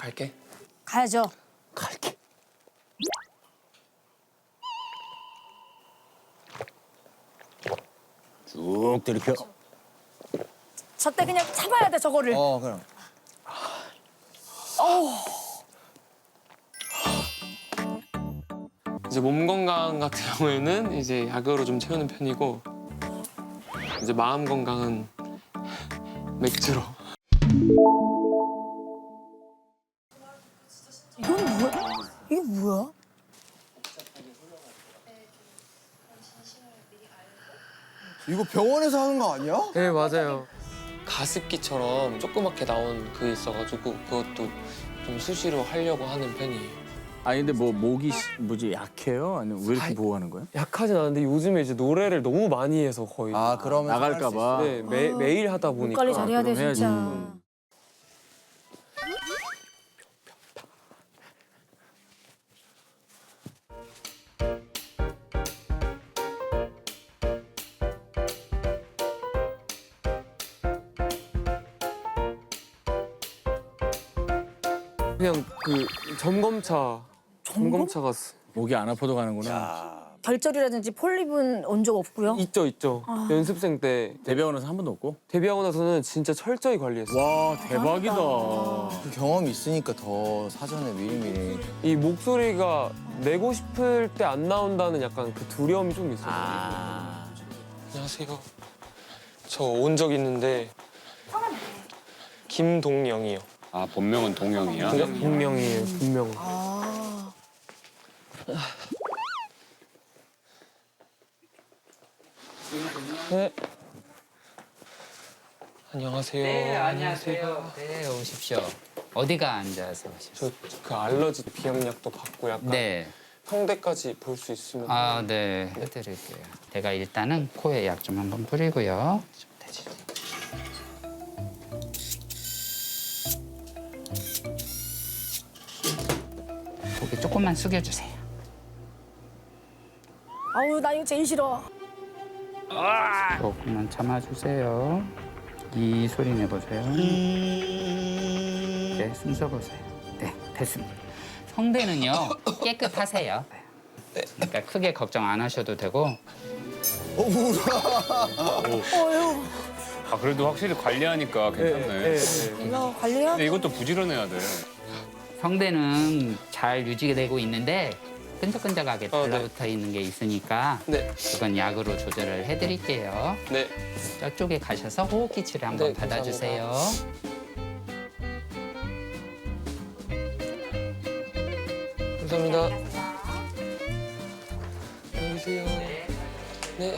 갈게. 가야죠. 갈게. 쭉 들이켜. 저때 그냥 참아야 돼 저거를. 그럼. 이제 몸 건강 같은 경우에는 이제 약으로 좀 채우는 편이고 이제 마음 건강은 맥주로. 이건 뭐야? 이게 뭐야? 이거 병원에서 하는 거 아니야? 네, 맞아요. 가습기처럼 조그맣게 나온 그게 있어가지고 그것도 좀 수시로 하려고 하는 편이에요. 아니 근데 뭐 목이 뭐지 약해요? 아니면 왜 이렇게 보호하는 거야? 약하진 않은데 요즘에 이제 노래를 너무 많이 해서 거의 그러면 나갈까 봐. 네, 매일 하다 목 보니까 관리 잘해야 돼 그럼 해야지. 진짜. 그냥 그 점검차가 목이 안 아파도 가는구나. 결절이라든지 폴립은 온 적 없고요. 있죠. 연습생 때 대병원에서 한 번도 없고? 데뷔하고 나서는 진짜 철저히 관리했어요. 와 대박이다. 그 경험이 있으니까 더 사전에 미리미리. 이 목소리가 내고 싶을 때 안 나온다는 약간 그 두려움이 좀 있어요. 안녕하세요. 저 온 적 있는데 김동영이요. 아, 본명은 동영이야? 네, 본명이에요. 본명. 네. 안녕하세요. 네, 안녕하세요. 네, 오십시오. 어디가 앉아서 오십시오? 저 그 알러지 비염약도 받고 약간 네. 성대까지 볼 수 있으면. 아, 네. 해드릴게요. 제가 일단은 코에 약 좀 한번 뿌리고요. 좀 대주세요. 고개 조금만 숙여주세요. 아우 나 이거 제일 싫어. 조금만 참아주세요. 이 소리 내보세요. 네, 숨 쉬어보세요. 네, 됐습니다. 성대는요, 깨끗하세요. 그러니까 크게 걱정 안 하셔도 되고. 아, 그래도 확실히 관리하니까 괜찮네. 이거 관리해야 근데 이것도 부지런해야 돼. 성대는 잘 유지되고 있는데 끈적끈적하게 네. 달라붙어 있는 게 있으니까 네. 그건 약으로 조절을 해드릴게요. 네. 저쪽에 가셔서 호흡기 치료 한번 네, 받아주세요. 감사합니다. 안녕히 계세요. 네.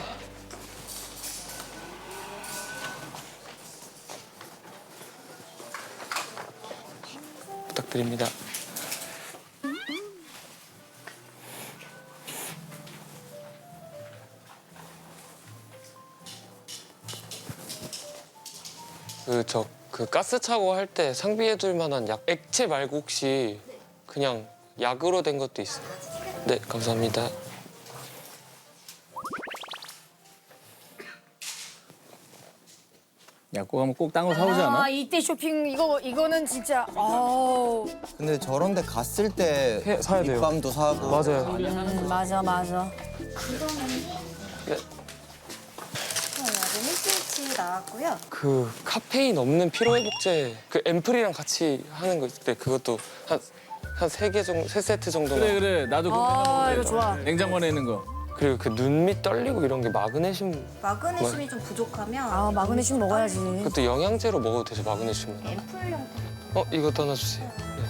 부탁드립니다. 그 가스 차고 할 때 상비해둘 만한 약 액체 말고 혹시 그냥 약으로 된 것도 있어요? 네, 감사합니다. 약국 가면 꼭 딴 거 사오지 않아? 아 이때 쇼핑 이거는 진짜 아우. 근데 저런 데 갔을 때 사야 돼요. 립밤도 사고. 맞아요. 맞아. 네. 루미스위치 나왔고요. 그 카페인 없는 피로회복제 그 앰플이랑 같이 하는 거 있을 때 그것도 한 3개 정도, 3세트 정도만. 그래 나도 그거 아 생각하는데. 이거 좋아. 냉장고 안에 있는 거. 그리고 그 눈 밑 떨리고 이런 게 마그네슘, 마그네슘이 좀 부족하면 아 마그네슘 먹어야지. 그것도 영양제로 먹어도 되죠, 마그네슘은. 앰플용 이것도 하나 주세요. 네.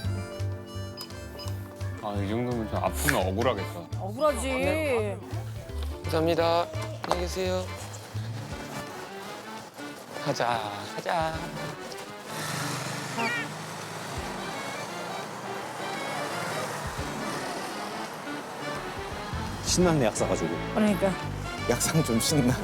아, 이 정도면 좀 아프면 억울하겠다. 억울하지. 감사합니다. 안녕히 계세요. 가자. 신났네 약 사가지고. 그러니까. 약상 좀 신나.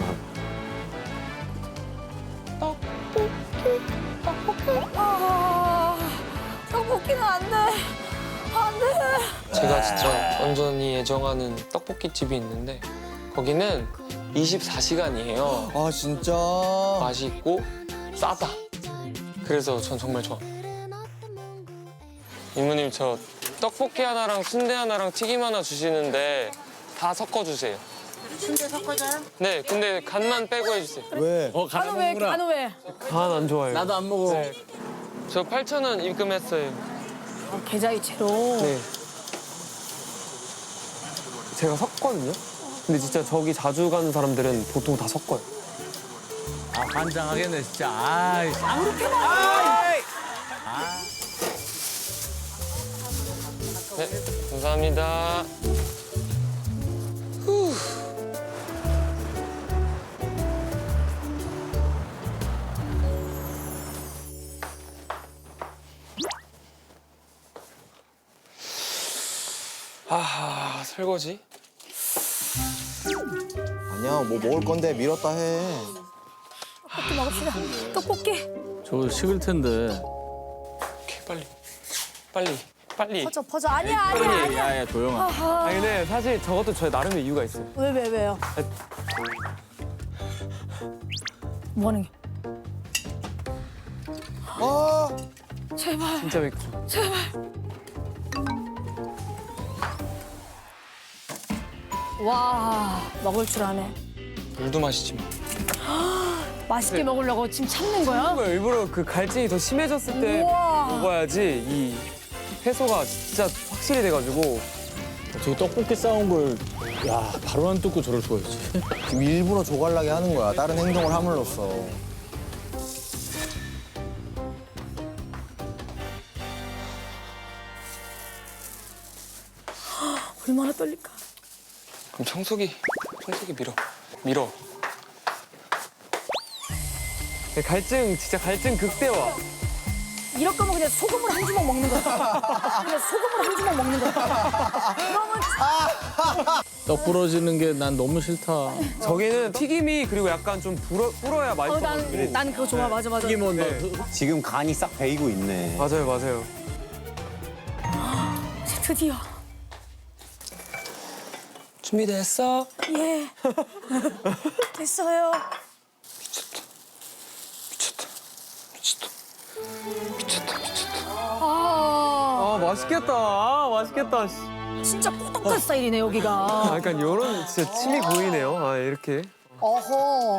떡볶이는 안 돼. 안 돼. 제가 진짜 완전히 애정하는 떡볶이 집이 있는데 거기는 24시간이에요. 아 진짜. 맛있고 싸다. 그래서 전 정말 좋아. 이모님 저 떡볶이 하나랑 순대 하나랑 튀김 하나 주시는데 다 섞어주세요. 순대 섞어줘요? 네, 근데 간만 빼고 해주세요. 왜? 간호 왜? 간호 왜? 간 안 좋아해요. 나도 안 먹어. 네. 저 8,000원 입금했어요. 계좌이체로. 네. 제가 섞거든요. 근데 진짜 저기 자주 가는 사람들은 보통 다 섞어요. 아 환장하겠네 진짜. 아이. 이렇게 많아. 네, 감사합니다. 아, 설거지? 아니야, 뭐 먹을 건데 밀었다 해. 떡볶이 먹읍시다. 떡볶이. 저 식을 텐데. 오케이, 빨리. 퍼져. 아니야. 야야 도영아. 아니, 근데 사실 저것도 저의 나름의 이유가 있어요. 왜요? 뭐 하는 게? 제발. 진짜 맥주. 와, 먹을 줄 아네. 물도 마시지 마. 맛있게 먹으려고 지금 참는 거야? 일부러 그 갈증이 더 심해졌을 때 우와. 먹어야지 이 해소가 진짜 확실히 돼가지고. 어떻게 떡볶이 싸운 걸, 야 바로 안 뜯고 저럴 수가 있지. 지금 일부러 조갈나게 하는 거야. 다른 행동을 함으로써. 얼마나 떨릴까? 그럼 청소기 밀어. 진짜 갈증 극대화. 이럴 거면 그냥 소금을 한 주먹 먹는 거야. 그러면 떡 부러지는 게 난 너무 싫다. 저기는 튀김이 그리고 약간 좀 불어야 맛있어. 난 그거 좋아. 맞아. 튀김은 지금 간이 싹 배이고 있네. 맞아요. 드디어. 준비됐어? 예. 됐어요. 미쳤다. 아, 맛있겠다. 진짜 꾸덕한 스타일이네 여기가. 약간 이런 진짜 침이 보이네요. 아, 이렇게. 어허.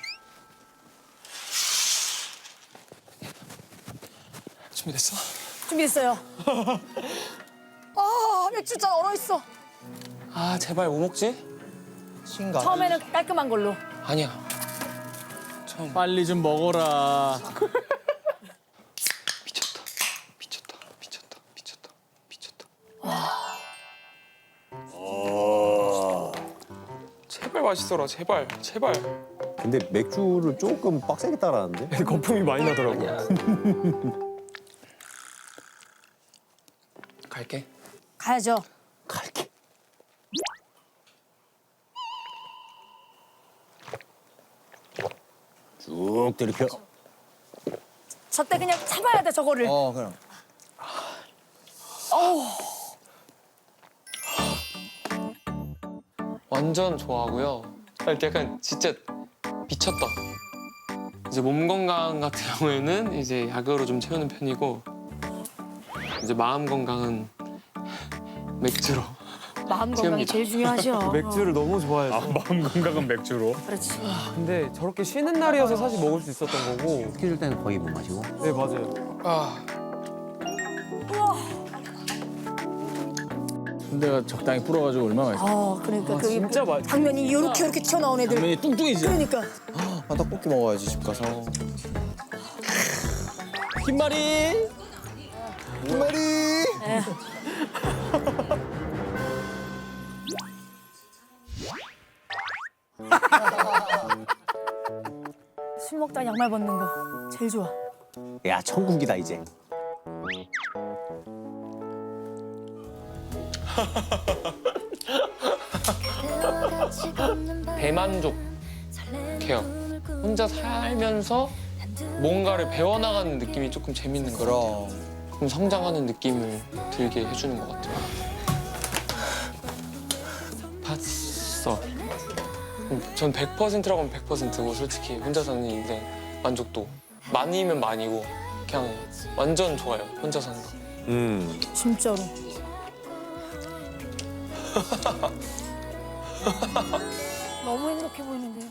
준비됐어요. 아, 맥주잔 얼어있어. 아, 제발 뭐 먹지? 신가. 처음에는 깔끔한 걸로. 아니야. 빨리 좀 먹어라. 미쳤다. 제발 맛있어라, 제발. 근데 맥주를 조금 빡세게 따라하는데? 거품이 많이 나더라고요. 갈게. 가야죠. 갈게. 쭉 들이켜. 저때 그냥 참아야 돼 저거를. 그럼. 완전 좋아하고요. 약간 진짜 미쳤다. 이제 몸 건강 같은 경우에는 이제 약으로 좀 채우는 편이고 이제 마음 건강은 맥주로. 마음 건강이 채웁니다. 제일 중요하죠. 맥주를 너무 좋아해서. 마음 건강은 맥주로. 그렇지. 근데 저렇게 쉬는 날이어서 사실 먹을 수 있었던 거고. 스케줄 때는 거의 못 마시고. 네, 맞아요. 순대가 적당히 불어가지고 얼마나 맛있어. 그러니까 그 진짜 맛있어. 당면이 이렇게 튀어나온 애들. 당면이 뚱뚱이지. 그러니까. 떡볶이 먹어야지 집 가서. 흰말이. 술 먹다 양말 벗는 거 제일 좋아. 야, 천국이다 이제. 대만족해요. 혼자 살면서 뭔가를 배워나가는 느낌이 조금 재밌는 거 같아요. 그럼. 좀 성장하는 느낌을 들게 해주는 것 같아요. 봤어. 전 100%라고 하면 100%고 솔직히 혼자 사는 인생 만족도. 많이면 많이고 그냥 완전 좋아요. 혼자 사는 거. 진짜로. 너무 행복해 보이는데요.